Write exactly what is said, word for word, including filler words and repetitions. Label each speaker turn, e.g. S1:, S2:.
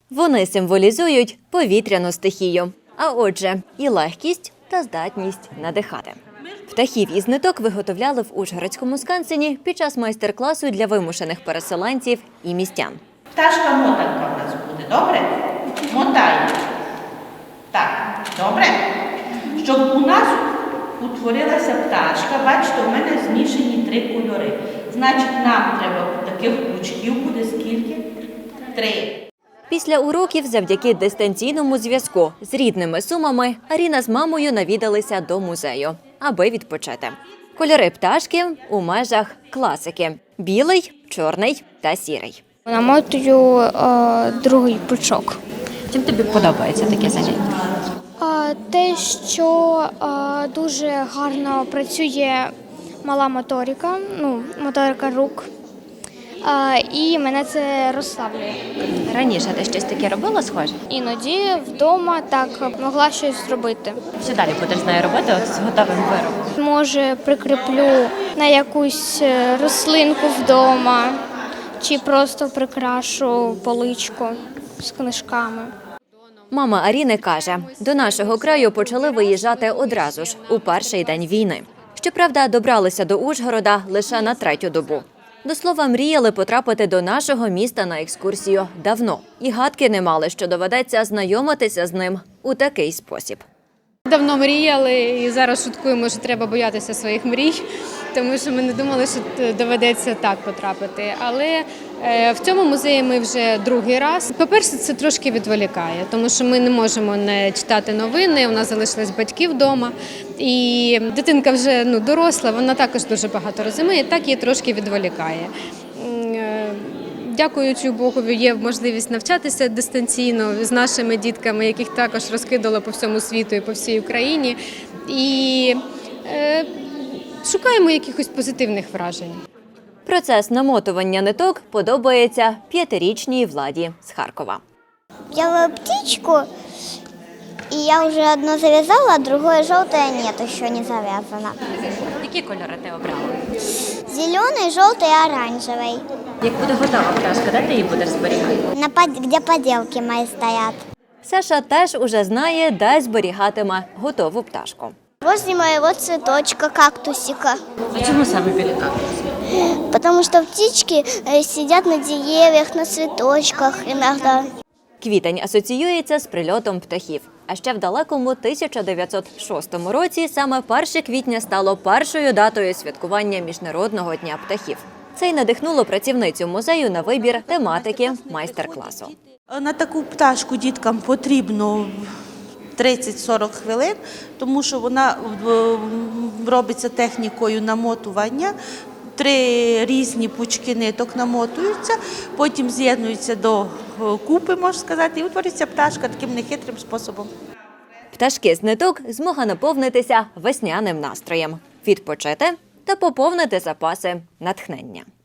S1: Вони символізують повітряну стихію, а отже, і легкість та здатність надихати. Птахів із ниток виготовляли в Ужгородському скансені під час майстер-класу для вимушених переселенців і містян.
S2: Пташка мотанка в нас буде, добре? Мотаємо. Так, добре? Щоб у нас утворилася пташка, бачите, у мене змішані три кольори. Значить, нам треба таких пучків буде скільки? Три.
S1: Після уроків завдяки дистанційному зв'язку з рідними Сумами Аріна з мамою навідалися до музею, аби відпочити. Кольори пташки у межах класики – білий, чорний та сірий.
S3: Намотую е, другий пучок.
S1: Чим тобі подобається таке заняття?
S3: Е, те, що е, дуже гарно працює мала моторика, ну, моторика рук, е, і мене це розслаблює.
S1: Раніше ти щось таке робила схоже?
S3: Іноді вдома так могла щось зробити.
S1: Що далі будеш з нею робити от з готовим виробом?
S3: Може, прикріплю на якусь рослинку вдома, чи просто прикрашу поличку з книжками.
S1: Мама Аріни каже, до нашого краю почали виїжджати одразу ж, у перший день війни. Щоправда, добралися до Ужгорода лише на третю добу. До слова, мріяли потрапити до нашого міста на екскурсію давно. І гадки не мали, що доведеться знайомитися з ним у такий спосіб.
S4: Давно мріяли і зараз шуткуємо, що треба боятися своїх мрій, тому що ми не думали, що доведеться так потрапити. Але в цьому музеї ми вже другий раз. По-перше, це трошки відволікає, тому що ми не можемо не читати новини, у нас залишились батьки вдома. І дитинка вже ну, доросла, вона також дуже багато розуміє, так її трошки відволікає. Дякуючи Богу, є можливість навчатися дистанційно з нашими дітками, яких також розкидало по всьому світу і по всій Україні. І е, шукаємо якихось позитивних вражень.
S1: Процес намотування ниток подобається п'ятирічній Владі з Харкова.
S5: Делаю птичку, и я уже одну завязала, а другое желтое нет, еще не завязано.
S1: Які кольори ти обрала?
S5: Зеленый, желтый и оранжевый.
S1: Як буде готова пташка, де ти її будеш зберігати?
S5: На под... Где поделки мои стоят.
S1: Саша теж уже знає, де зберігатиме готову пташку.
S5: Возле моего цветочка, кактусика.
S1: А чому саме біля кактусу?
S5: Потому что птички э, сидят на деревьях, на цветочках иногда.
S1: Квітень асоціюється з прильотом птахів. А ще в далекому тисяча дев'ятсот шостому році саме перше квітня стало першою датою святкування Міжнародного дня птахів. Це й надихнуло працівницю музею на вибір тематики майстер-класу.
S2: На таку пташку діткам потрібно тридцять-сорок хвилин, тому що вона робиться технікою намотування. Три різні пучки ниток намотуються, потім з'єднуються до купи, можна сказати, і утворюється пташка таким нехитрим способом.
S1: Пташки з ниток – змога наповнитися весняним настроєм, відпочити та поповнити запаси натхнення.